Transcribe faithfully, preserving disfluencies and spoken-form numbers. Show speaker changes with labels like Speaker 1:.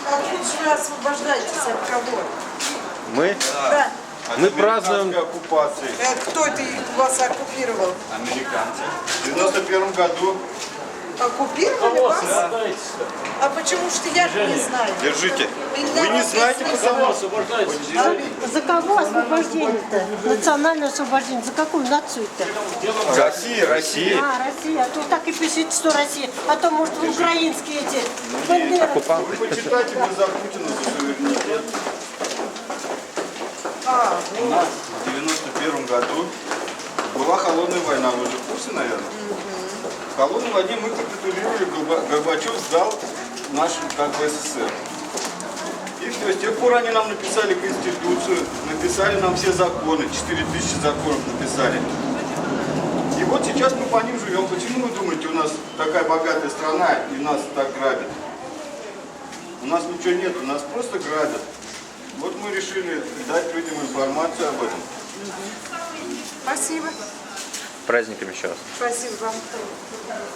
Speaker 1: А тут же вы освобождаетесь от кого?
Speaker 2: Мы,
Speaker 1: Да.
Speaker 2: мы празднуем...
Speaker 3: оккупации.
Speaker 1: Э, Кто это вас оккупировал?
Speaker 3: Американцы. В девяносто первом году.
Speaker 1: Оккупировали вас? А почему что я не знаю?
Speaker 3: Держите.
Speaker 1: Меня
Speaker 3: Вы не знаете,
Speaker 1: написано-
Speaker 3: потому
Speaker 4: За кого освобождение-то? Национальное освобождение. За какую нацию-то?
Speaker 3: Россия, Россия.
Speaker 4: А, Россия. А то так и пишите, что Россия. А то, может, украинские эти бандеры.
Speaker 3: Вы почитайте, вы за Путина, за суверенитет.
Speaker 1: А,
Speaker 3: У нас в девяносто первом году была холодная война, вы же в курсе, наверное? В холодной войне мы капитулировали, Горба- Горбачев сдал наш как бы СССР. И все, с тех пор они нам написали Конституцию, написали нам все законы, четыре тысячи законов написали. И вот сейчас мы по ним живем. Почему вы думаете, у нас такая богатая страна и нас так грабят? У нас ничего нет, у нас просто грабят. Вот мы решили дать людям информацию об этом.
Speaker 1: спасибо.
Speaker 2: Праздниками еще раз.
Speaker 1: Спасибо вам.